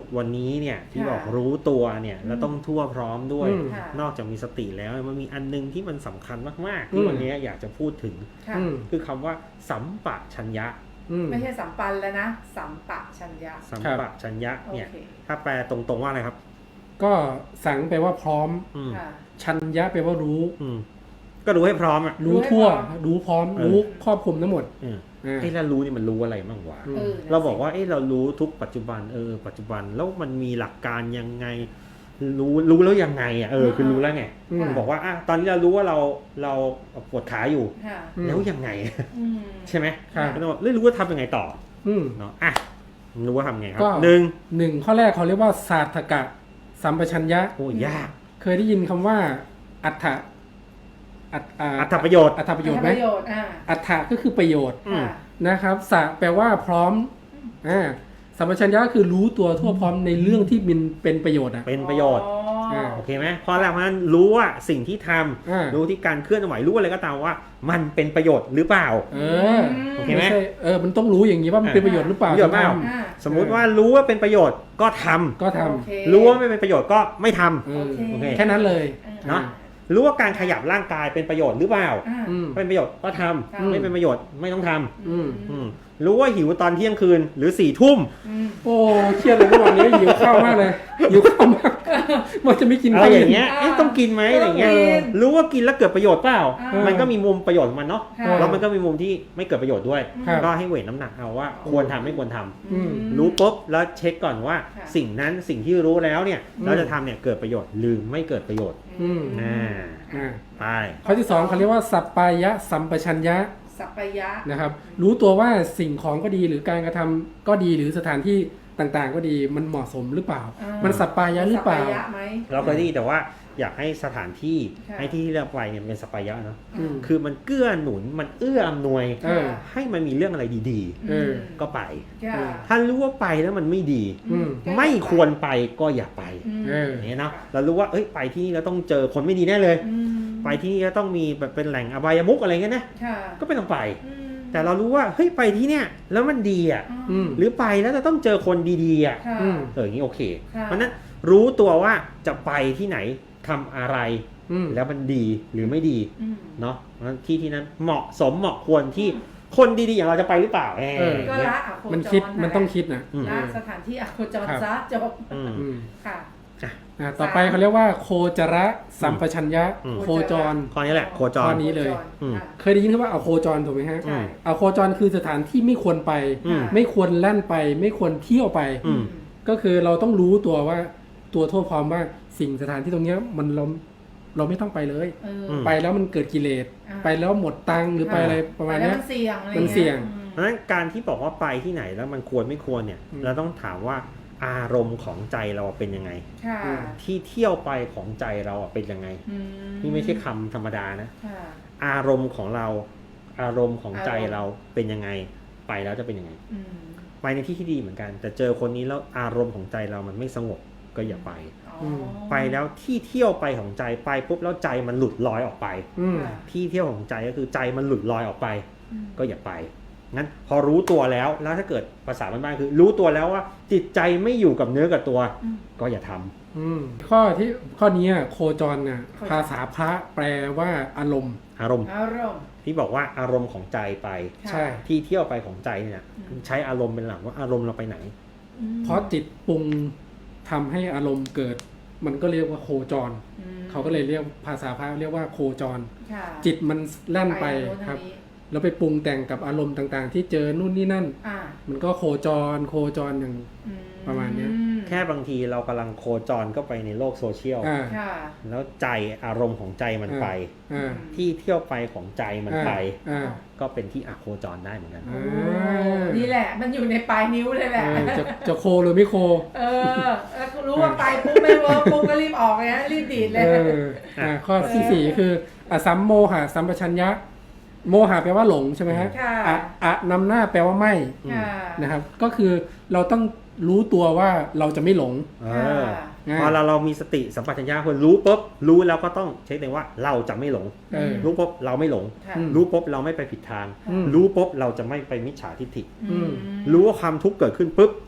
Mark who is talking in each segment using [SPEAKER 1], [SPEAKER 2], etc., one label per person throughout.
[SPEAKER 1] วันนี้เนี่ยที่
[SPEAKER 2] ค่ะ
[SPEAKER 1] บอกรู้ตัวเนี่ยแล้วต้องทั่วพร้อมด้วย
[SPEAKER 2] ค่ะ
[SPEAKER 1] นอกจากมีสติแล้วมันมีอันนึงที่มันสำคัญมากๆ
[SPEAKER 3] อื
[SPEAKER 1] ที่
[SPEAKER 3] ม
[SPEAKER 1] วันนี้อยากจะพูดถึง
[SPEAKER 2] ค่ะ
[SPEAKER 1] คือคำว่าสัมปชัญญะ
[SPEAKER 2] ไม่ใช่สัมปันแล้วนะ สัมปชัญญะ
[SPEAKER 1] สัมปชัญญะเนี่ย
[SPEAKER 2] โอเค
[SPEAKER 1] ถ้าแปลตรงๆว่าอะไรครับ
[SPEAKER 3] ก็สังแปลว่าพร้อม
[SPEAKER 1] อืม
[SPEAKER 2] ค่ะ
[SPEAKER 3] ชัญญะแปลว่ารู้
[SPEAKER 1] อืมก็รู้ให้พร้อมอ่ะ
[SPEAKER 3] รู้ทั่ว
[SPEAKER 2] รู้ให้พร้อม
[SPEAKER 3] รู้พร้อมรู้ครอบคลุมทั้งหมด
[SPEAKER 1] อืม
[SPEAKER 3] อ่า
[SPEAKER 1] ไอ้แล้วรู้นี่มันรู้อะไรบ้างวะ
[SPEAKER 3] อืม
[SPEAKER 1] เราบอกว่าเรารู้ทุกปัจจุบันปัจจุบันแล้วมันมีหลักการยังไงรู้แล้วยังไงอ่ะคือรู้แล้วไง
[SPEAKER 3] อืม
[SPEAKER 1] บอกว่าตอนนี้เรารู้ว่าเราปวดขาอยู่
[SPEAKER 2] ค่ะ
[SPEAKER 1] แล้วยังไง
[SPEAKER 2] อืม
[SPEAKER 1] ใช่ไหม
[SPEAKER 3] ครับ
[SPEAKER 1] ก็ต้องบอกรู้ว่าทำยังไงต่อ
[SPEAKER 3] อืม
[SPEAKER 1] เนาะรู้ว่าทำไงครั
[SPEAKER 3] ก็
[SPEAKER 1] บ
[SPEAKER 3] หนึ่งข้อแรกเขาเรียกว่าศาสตกะสัมปชัญญะ
[SPEAKER 1] โอ้ยาก
[SPEAKER 3] เคยได้ยินคำว่าอัฏฐะ
[SPEAKER 1] อัตประโยชน์
[SPEAKER 3] อัฏฐประโยชน์ไหม
[SPEAKER 2] ประโยชน์
[SPEAKER 3] อัฏฐะก็คือประโยชน์
[SPEAKER 2] ค่ะ
[SPEAKER 3] นะครับสะแปลว่าพร้อมสัมปชัญญะคือรู้ตัวทั่วพร้อมในเรื่องที่มันเป็นประโยชน์อ่ะ
[SPEAKER 1] เป็นประโยชน์
[SPEAKER 2] อ๋อ
[SPEAKER 1] โอเคไหมเพราะแล้วมันรู้ว่าสิ่งที่ทำ
[SPEAKER 3] อ่า
[SPEAKER 1] รู้ที่การเคลื่อนไหวรู้อะไรก็ตามว่า มันเป็นประโยชน์หรือเปล่า
[SPEAKER 3] เออ
[SPEAKER 1] โอเคไหม
[SPEAKER 3] ไม่ใช่มันต้องรู้อย่างนี้ว่ามันเป็นประโยชน์หรือเปล่า
[SPEAKER 1] ประโยชน์เปล่า
[SPEAKER 3] จะท
[SPEAKER 2] อ่า
[SPEAKER 1] สมมุติว่ารู้ว่าเป็นประโยชน์ก็ทำ
[SPEAKER 3] ำก็ท
[SPEAKER 2] โอเค
[SPEAKER 1] รู้ว่าไม่เป็นประโยชน์ก็ไม่ทำ
[SPEAKER 3] ำ
[SPEAKER 1] โอเค
[SPEAKER 3] แค่นั้นเลย
[SPEAKER 1] เนาะรู้ว่าการขยับร่างกายเป็นประโยชน์หรือเปล่า
[SPEAKER 2] อ่า
[SPEAKER 3] อืม
[SPEAKER 1] เป็นประโยชน์ก็ทำ
[SPEAKER 2] อืม
[SPEAKER 1] ไม่เป็นประโยชน์ไม่ต้องทำ
[SPEAKER 3] อืม
[SPEAKER 1] รู้ว่าหิวตอนเที่ยงคืนหรือ4 ทุ่ม
[SPEAKER 2] อืม
[SPEAKER 3] โอ้เครียดเลยเมื่อวานนี้หิวข้าวมากเลยหิวข้าวมากว่าจะไม่กิน
[SPEAKER 1] อะไร
[SPEAKER 3] ข้าว
[SPEAKER 1] อย่างเงี้ยต้องกินไหมอะไรเงี้ย
[SPEAKER 2] กิน
[SPEAKER 1] รู้ว่ากินแล้วเกิดประโยชน์เปล่า
[SPEAKER 2] อ่ามั
[SPEAKER 1] มันก็มีมุมประโยชน์ของมันเนาะ
[SPEAKER 2] ค่ะ
[SPEAKER 1] แล้วมันก็มีมุมที่ไม่เกิดประโยชน์ด้วย
[SPEAKER 3] ครับ
[SPEAKER 1] ก็ให้เวทน้ำหนักเอาว่าควรทำไม่ควรทำ
[SPEAKER 3] อืม
[SPEAKER 1] รู้ปุ๊บแล้วเช็คก่อนว่า
[SPEAKER 2] ค่ะ
[SPEAKER 1] สิ่งนั้นสิ่งที่รู้แล้วเนี่ย
[SPEAKER 3] อืม
[SPEAKER 1] เราจะทำเนี่ยเกิดประโยชน์หรือไม่เกิดประโยชน์
[SPEAKER 3] อืม
[SPEAKER 1] อ่า
[SPEAKER 3] อ่า
[SPEAKER 1] ไป
[SPEAKER 3] ข้อที่สองเขาเรียกว่าสัปปายะสัมปชัญญะ
[SPEAKER 2] สัพพยะ
[SPEAKER 3] นะครับรู้ตัวว่าสิ่งของก็ดีหรือการกระทำก็ดีหรือสถานที่ต่างๆ ก็ดีมันเหมาะสมหรือเปล่า มันสัปปายะหรือเปล่า
[SPEAKER 2] สัพพยะไหม
[SPEAKER 1] เราเคยได้ยินแต่ว่าอยากให้สถานที่
[SPEAKER 2] ค่ะ
[SPEAKER 1] ให้ที่เลือกไปเนี่ยเป็นสปายะเนาะ
[SPEAKER 3] อืม
[SPEAKER 1] คือมันเกื้อหนุนมันเอื้ออำนวย
[SPEAKER 3] เออ
[SPEAKER 1] ให้มันมีเรื่องอะไรดี
[SPEAKER 3] เออ
[SPEAKER 1] ๆ ก็ไป
[SPEAKER 2] ค่ะ
[SPEAKER 1] ถ้ารู้ว่าไปแล้วมันไม่ดี
[SPEAKER 3] อืม
[SPEAKER 1] ไม่ควรไปก็อย่าไป
[SPEAKER 3] เออ
[SPEAKER 1] อย่างเงี้ยเนาะเรารู้ว่าไปที่นี่เราต้องเจอคนไม่ดีแน่เลย
[SPEAKER 2] อืม
[SPEAKER 1] ไปที่นี่ก็ต้องมีแบบเป็นแหล่งอบายมุกอะไรเงี้ยนะ
[SPEAKER 2] ค่ะ
[SPEAKER 1] ก็ไม่ต้องไป
[SPEAKER 2] อืม
[SPEAKER 1] แต่เรารู้ว่าเฮ้ยไปที่เนี่ยแล้วมันดีอ่ะ
[SPEAKER 3] อืม
[SPEAKER 1] หรือไปแล้วจะต้องเจอคนดีๆอ่ะ
[SPEAKER 2] ค่ะ
[SPEAKER 3] อืม
[SPEAKER 1] อย่างนี้โอเค
[SPEAKER 2] ค่ะ
[SPEAKER 1] เพราะฉะนั้นรู้ตัวว่าจะไปที่ไหนทำอะไร
[SPEAKER 3] อืม
[SPEAKER 1] แล้วมันดีหรือไม่ดี
[SPEAKER 2] อืม
[SPEAKER 1] เนาะเพราะฉะนั้นที่นั้นเหมาะสมเหมาะควรที่คนดีๆอย่างเราจะไปหรือเปล่า
[SPEAKER 3] เออ
[SPEAKER 2] ก็
[SPEAKER 1] เนี่ย
[SPEAKER 2] ละอโคจร
[SPEAKER 3] มันคิด
[SPEAKER 2] ะ
[SPEAKER 3] มันต้องคิดนะ
[SPEAKER 1] อืม
[SPEAKER 2] ละสถานที่อโคจร
[SPEAKER 3] ครับ
[SPEAKER 2] ซะจบ
[SPEAKER 1] อืม
[SPEAKER 3] อืม
[SPEAKER 2] ค่ะ
[SPEAKER 3] ต่อไปเขาเรียกว่าโคจระสัมปชัญญะ
[SPEAKER 1] อืม
[SPEAKER 3] โคจร
[SPEAKER 1] ข้อนี้แหละโคจ
[SPEAKER 3] ข้
[SPEAKER 1] ร
[SPEAKER 3] อนี้เลย
[SPEAKER 1] อืม
[SPEAKER 2] ค่ะ
[SPEAKER 3] เคยได้ยินคำว่าเอาโคจรถูกไหมฮะ
[SPEAKER 2] ใช่
[SPEAKER 3] เอาโคจรคือสถานที่ไม่ควรไป
[SPEAKER 1] อืม
[SPEAKER 3] ไม่ควรแล่นไป ไม่ควรเที่ยวไป
[SPEAKER 1] อืม
[SPEAKER 3] ก็คือเราต้องรู้ตัวว่าตัวทั่วพร้อมว่าสิ่งสถานที่ตรงเนี้ยมันเราไม่ต้องไปเลย
[SPEAKER 2] เออ
[SPEAKER 1] อืม
[SPEAKER 3] ไปแล้วมันเกิดกิเลส
[SPEAKER 2] อ่า
[SPEAKER 3] ไปแล้วหมดตังค์หรือไปอะไรประมาณเนี้ย
[SPEAKER 2] มันเสี่ยงอะไร
[SPEAKER 3] มันเสี่ยง
[SPEAKER 1] เพราะฉะนั้นการที่บอกว่าไปที่ไหนแล้วมันควรไม่ควรเนี่ย
[SPEAKER 3] อืม
[SPEAKER 1] เราต้องถามว่าอารมณ์ของใจเราเป็นยังไง
[SPEAKER 2] ค่ะ
[SPEAKER 3] อืม
[SPEAKER 1] ที่เที่ยวไปของใจเราเป็นยังไง
[SPEAKER 2] อื
[SPEAKER 1] นี่ไม่ใช่คำธรรมดานะ
[SPEAKER 2] ค่ะ
[SPEAKER 1] อารมณ์ของเรา อารมณ์ของใจ
[SPEAKER 2] อารมณ์
[SPEAKER 1] เราเป็นยังไง ไปแล้วจะเป็นยังไง
[SPEAKER 2] อืม
[SPEAKER 1] ไปในที่ที่ดีเหมือนกัน แต่เจอคนนี้แล้วอารมณ์ของใจเรามันไม่สงบก็อย่าไป
[SPEAKER 2] อ๋อ
[SPEAKER 1] ไปแล้วที่เที่ยวไปของใจไปปุ๊บแล้วใจมันหลุดลอยออกไป
[SPEAKER 3] อืม
[SPEAKER 2] ค่ะ
[SPEAKER 1] ที่เที่ยวของใจก็คือใจมันหลุดลอยออกไป
[SPEAKER 2] อืม
[SPEAKER 1] ก็อย่าไป งั้นพอรู้ตัวแล้วถ้าเกิดภาษาบ้านๆคือ รู้ตัวแล้วว่าจิตใจไม่อยู่กับเนื้อกับตัว
[SPEAKER 2] อืม
[SPEAKER 1] ก็อย่าทำ
[SPEAKER 3] ข้อนี้โคจรน่ะ
[SPEAKER 2] โคจร
[SPEAKER 3] ภาษาพระแปลว่าอารมณ์
[SPEAKER 1] อารมณ์
[SPEAKER 2] อารมณ์
[SPEAKER 1] ที่บอกว่าอารมณ์ของใจไป
[SPEAKER 2] ค่ะ
[SPEAKER 3] ใช่
[SPEAKER 1] ที่เที่ยวไปของใจเนี่ย
[SPEAKER 2] อืม
[SPEAKER 1] ใช้อารมณ์เป็นหลักว่าอารมณ์เราไปไหน
[SPEAKER 2] อืม
[SPEAKER 3] เพราะจิตปรุงทำให้อารมณ์เกิด มันก็เรียกว่าโคจร
[SPEAKER 2] อืม
[SPEAKER 3] เขาก็เลยเรียกภาษาพระเรียกว่าโคจร
[SPEAKER 2] ค่ะ
[SPEAKER 3] จิตมันแล่นไป
[SPEAKER 2] ทางโน้น
[SPEAKER 3] ครับ
[SPEAKER 2] ทางนี้
[SPEAKER 3] แล้วไปปรุงแต่งกับอารมณ์ต่างๆ ที่เจอนู่นนี่นั่น
[SPEAKER 2] อ่า
[SPEAKER 3] มันก็โคจรอย่าง
[SPEAKER 2] อื
[SPEAKER 3] ประมาณเนี้ย
[SPEAKER 1] แค่บางทีเรากำลังโคจรก็ไปในโลกโซเชียล
[SPEAKER 3] อ่า
[SPEAKER 2] ค่ะ
[SPEAKER 1] แล้วใจอารมณ์ของใจมันไป
[SPEAKER 3] อ่า
[SPEAKER 1] ที่เที่ยวไปของใจมันไป
[SPEAKER 3] อ่า
[SPEAKER 1] ก็เป็นที่อโคจรได้เหมือนกัน
[SPEAKER 3] อ่า
[SPEAKER 2] นี่แหละ มันอยู่ในปลายนิ้วเลยแหละ
[SPEAKER 3] จะโคหรือไม่โค
[SPEAKER 2] เออแล้วรู้ว่าไปปุ๊บไม่เวิร์กปุ๊บก็รีบออกเลยนะรีบดีดเลย
[SPEAKER 3] ข้อที่สี่คืออสัมโมหะสัมปชัญญะ โมหะแปลว่าหลงใช่ไหมฮะ
[SPEAKER 2] ค่ะ
[SPEAKER 3] อะนำหน้าแปลว่าไม่
[SPEAKER 2] ค่ะ
[SPEAKER 3] นะครับ ก็คือเราต้องรู้ตัวว่าเราจะไม่หลง
[SPEAKER 1] เอ
[SPEAKER 2] ค่ะ
[SPEAKER 1] อพอเรามีสติสัมปชัญญะคนรู้ปุ๊บรู้แล้วก็ต้องเช็คเลยว่าเราจะไม่หลง
[SPEAKER 3] เออ
[SPEAKER 1] รู้ปุ๊บเราไม่หลง
[SPEAKER 2] ค่ะ
[SPEAKER 3] อืม
[SPEAKER 1] รู้ปุ๊บเราไม่ไปผิดทาง
[SPEAKER 3] อืม
[SPEAKER 1] รู้ปุ๊บเราจะไม่ไปมิจฉาทิฏฐิ
[SPEAKER 3] อืม
[SPEAKER 1] รู้ว่าความทุกข์เกิดขึ้นปุ๊บ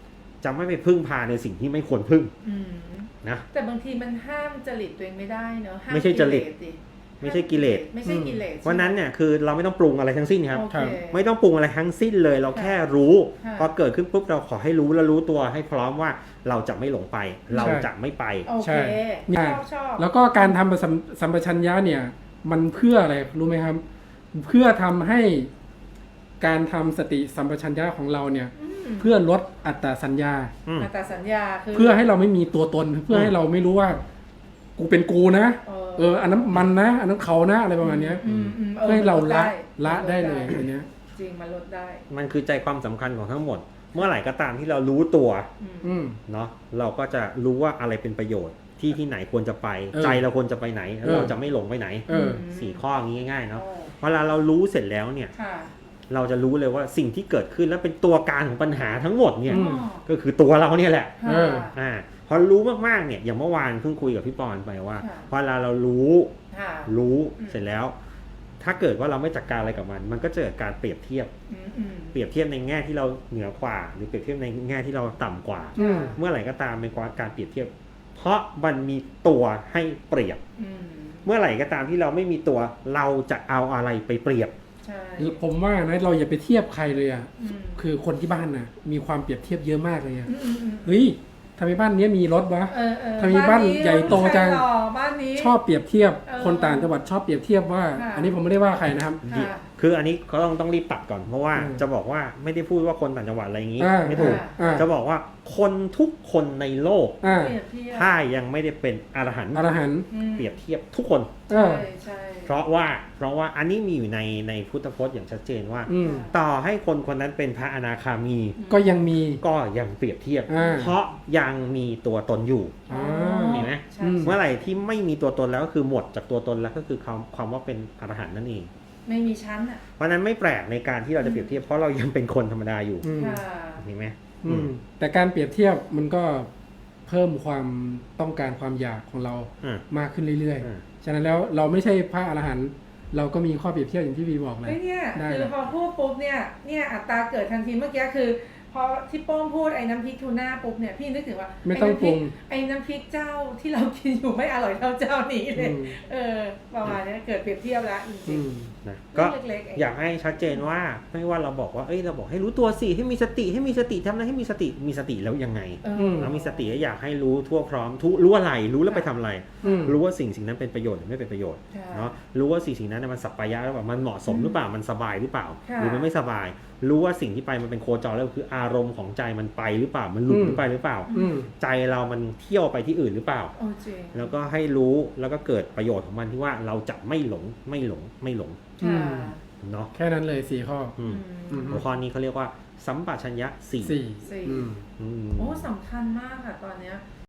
[SPEAKER 1] จะไม่ไปพึ่งพาในสิ่งที่ไม่ควรพึ่ง
[SPEAKER 2] อืม
[SPEAKER 1] นะ
[SPEAKER 2] แต่บางทีมันห้ามจริตตัวเองไม่ได้เนอะห้า
[SPEAKER 1] ไม่ใช่จริต
[SPEAKER 2] กิเลสดิ
[SPEAKER 1] ไม่ใช่กิเลส
[SPEAKER 2] ไม่ใช่กิเลส
[SPEAKER 1] เพราะนั้นเนี่ยคือเราไม่ต้องปรุงอะไรทั้งสิ้นครับ
[SPEAKER 2] โอเค
[SPEAKER 1] ไม่ต้องปรุงอะไรทั้งสิ้นเลย เราแค่รู้
[SPEAKER 2] ค่ะ
[SPEAKER 1] พอเกิดขึ้นปุ๊บเราขอให้รู้และรู้ตัวให้พร้อมว่าเราจะไม่หลงไป เราจะไม่ไป
[SPEAKER 2] โอเค
[SPEAKER 3] ใช่
[SPEAKER 2] ชอบ
[SPEAKER 3] แล้วก็การทำสัมปชัญญะเนี่ย มันเพื่ออะไรรู้ไหมครับ เพื่อทำให้การทำสติสัมปชัญญะของเราเนี่ย เพื่อลดอัตตสัญญา
[SPEAKER 1] อืม
[SPEAKER 2] อัตตสัญญาคือ
[SPEAKER 3] เพื่อให้เราไม่มีตัวตน เพื่อให้เราไม่รู้ว่า กูเป็นกูนะ อันนั้นมันนะ อันนั้นเขานะอะไรประมาณเนี้ย เพื่อให้เราละได้เลยอันเนี้ย
[SPEAKER 2] จริงมันลดได้
[SPEAKER 1] มันคือใจความสำคัญของทั้งหมด เมื่อไหร่ก็ตามที่เรารู้ตัว
[SPEAKER 3] อืม
[SPEAKER 1] เนาะเราก็จะรู้ว่าอะไรเป็นประโยชน์ที่ไหนควรจะไป ใจเราควรจะไปไหนแล้วเราจะไม่หลงไปไหน 4 ข้ออย่างนี้ง่ายๆเนาะเวลาเรารู้เสร็จแล้วเนี่ย
[SPEAKER 2] ค่ะ
[SPEAKER 1] เราจะรู้เลยว่าสิ่งที่เกิดขึ้นแล้วเป็นตัวการของปัญหาทั้งหมดเนี่ย
[SPEAKER 3] อืม
[SPEAKER 1] ก็คือตัวเราเนี่ยแหละ
[SPEAKER 2] ค่ะ
[SPEAKER 1] พอรู้มากๆเนี่ยอย่างเมื่อวานเพิ่งคุยกับพี่ปอนไปว่า
[SPEAKER 2] ค่ะ
[SPEAKER 1] พอเวลาเรารู้
[SPEAKER 2] ค่ะ
[SPEAKER 1] เสร็จแล้ว ถ้าเกิดว่าเราไม่จัดการอะไรกับมันก็จะเกิดการเปรียบเทียบ เปรียบเทียบในแง่ที่เราเหนือกว่า หรือเปรียบเทียบในแง่ที่เราต่ำกว่า
[SPEAKER 3] อืม
[SPEAKER 1] เมื่อไหร่ก็ตามเป็นการเปรียบเทียบ เพราะมันมีตัวให้เปรียบ เมื่อไหร่ก็ตามที่เราไม่มีตัวเราจะเอาอะไรไปเปรียบ
[SPEAKER 2] ใช่
[SPEAKER 3] ผมว่านะเราอย่าไปเทียบใครเลยอ่ะ
[SPEAKER 2] อืม
[SPEAKER 3] คือคนที่บ้านนะมีความเปรียบเทียบเยอะมากเลยอ่ะ
[SPEAKER 2] อืม
[SPEAKER 3] เฮ้ยทำไมบ้านเนี้ยมีรถวะ ทำไมบ้านใหญ่โตจัง
[SPEAKER 2] บ้านนี้
[SPEAKER 3] ชอบเปรียบเทียบ
[SPEAKER 2] เออ
[SPEAKER 3] คนต่างจังหวัดชอบเปรียบเทียบว่า
[SPEAKER 2] ค่ะ
[SPEAKER 3] อันนี้ผมไม่ได้ว่าใครนะครับ
[SPEAKER 2] ค่ะ
[SPEAKER 1] คืออันนี้เขาต้องรีบตัดก่อน เพราะว่า
[SPEAKER 3] อืม
[SPEAKER 1] จะบอกว่าไม่ได้พูดว่าคนต่างจังหวัดอะไรอย่างนี้
[SPEAKER 3] อ่า
[SPEAKER 1] ไม่ถูก
[SPEAKER 3] อ่า
[SPEAKER 1] จะบอกว่าคนทุกคนในโลก
[SPEAKER 3] อ่า
[SPEAKER 2] เปรียบเทียบ
[SPEAKER 1] ถ้ายังไม่ได้เป็นอรหันต์
[SPEAKER 3] อรหันต์
[SPEAKER 1] เปรียบเทียบทุกคน
[SPEAKER 3] เอ
[SPEAKER 2] ใช่
[SPEAKER 3] อ
[SPEAKER 2] ใช่
[SPEAKER 1] เพราะว่าอันนี้มีอยู่ในพุทธพจน์อย่างชัดเจนว่า
[SPEAKER 3] อืม
[SPEAKER 1] ต่อให้คนคนนั้นเป็นพระอนาคามี
[SPEAKER 3] ก็ยังมี
[SPEAKER 1] ก็ยังเปรียบเทียบ
[SPEAKER 3] อ่า
[SPEAKER 1] เพราะยังมีตัวตนอยู่
[SPEAKER 3] อ่า
[SPEAKER 1] เห็นไหม
[SPEAKER 2] ใช่
[SPEAKER 1] เมื่อไหร่ที่ไม่มีตัวตนแล้วก็คือหมดจากตัวตนแล้วก็คือความว่าเป็นอรหันต์นั่นเอง
[SPEAKER 2] ไม่มีชั้นอ่ะ
[SPEAKER 1] เพราะฉะนั้นไม่แปลกในการที่เราจะเปรียบเทียบเพราะเรายังเป็นคนธรรมดาอยู่
[SPEAKER 3] อืม
[SPEAKER 2] ค่ะ
[SPEAKER 1] เห็นไหม
[SPEAKER 3] อืมแต่การเปรียบเทียบมันก็เพิ่มความต้องการความอยากของเรา
[SPEAKER 1] อืม
[SPEAKER 3] มากขึ้นเรื่อย
[SPEAKER 1] อืม
[SPEAKER 3] ๆ ฉะนั้นแล้วเราไม่ใช่พระอรหันต์เราก็มีข้อเปรียบเทียบอย่างที่วีบอกเลย
[SPEAKER 2] เฮ้ยเนี่ย
[SPEAKER 3] ได้
[SPEAKER 2] คือพอพูดปุ๊บเนี่ยอัตราเกิดทันทีเมื่อกี้คือ พอที่โป้งพูดไอ้น้ำพริกทูน่าปุ๊บเนี่ยพี่นึกถึงว่า
[SPEAKER 3] ไม่ต้องปรุง
[SPEAKER 2] ไอ้น้ำพริกเจ้าที่เรากินอยู่ไม่อร่อยเท่าเจ้านี้เลย ประมาณนี้เกิดเปรียบเทียบแล้วจ
[SPEAKER 3] อื
[SPEAKER 2] ริง
[SPEAKER 3] ม
[SPEAKER 1] นะ
[SPEAKER 2] ๆ
[SPEAKER 1] ก็
[SPEAKER 2] เรื่องเล็กๆเอง
[SPEAKER 1] อยากให้ชัดเจนว่าไม่ว่าเราบอกว่าเราบอกให้รู้ตัวสิให้มีสติทำอะไรให้มีสติแล้วยังไง
[SPEAKER 3] ม
[SPEAKER 1] เรามีสติอยากให้รู้ทั่วพร้อมรู้อะไรรู้แล้วไปทำอะไร
[SPEAKER 3] อืม
[SPEAKER 1] รู้ว่าสิ่งนั้นเป็นประโยชน์หรือไม่เป็นประโยชน์
[SPEAKER 2] ค่ะ
[SPEAKER 1] เนาะรู้ว่าสิ่งนั้นมันสัปปายะหรือเปล่ามันเหมาะสมหรือเปล่ามันสบายหรือเปล่า
[SPEAKER 2] ค่ะ
[SPEAKER 1] หรือมันไม่สบาย รู้ว่าสิ่งที่ไปมันเป็นโคจรแล้วคืออารมณ์ของใจมันไปหรือเปล่ามันหลุดหรือไปหรือเปล่า
[SPEAKER 3] อืม
[SPEAKER 1] ใจเรามันเที่ยวไปที่อื่นหรือเปล่า
[SPEAKER 2] โอ้จริง
[SPEAKER 1] แล้วก็ให้รู้แล้วก็เกิดประโยชน์ของมันที่ว่าเราจะไม่หลง
[SPEAKER 2] ค่ะ
[SPEAKER 1] เนาะ
[SPEAKER 3] แค่นั้นเลย4 ข้อ
[SPEAKER 1] อืม
[SPEAKER 2] อืม
[SPEAKER 1] หัวข้อนี้เขาเรียกว่าสัมปชัญญะ 4
[SPEAKER 3] 4
[SPEAKER 2] สี่
[SPEAKER 3] อืม
[SPEAKER 1] อืม
[SPEAKER 2] โอ้สำคัญมากค่ะตอนเนี้ย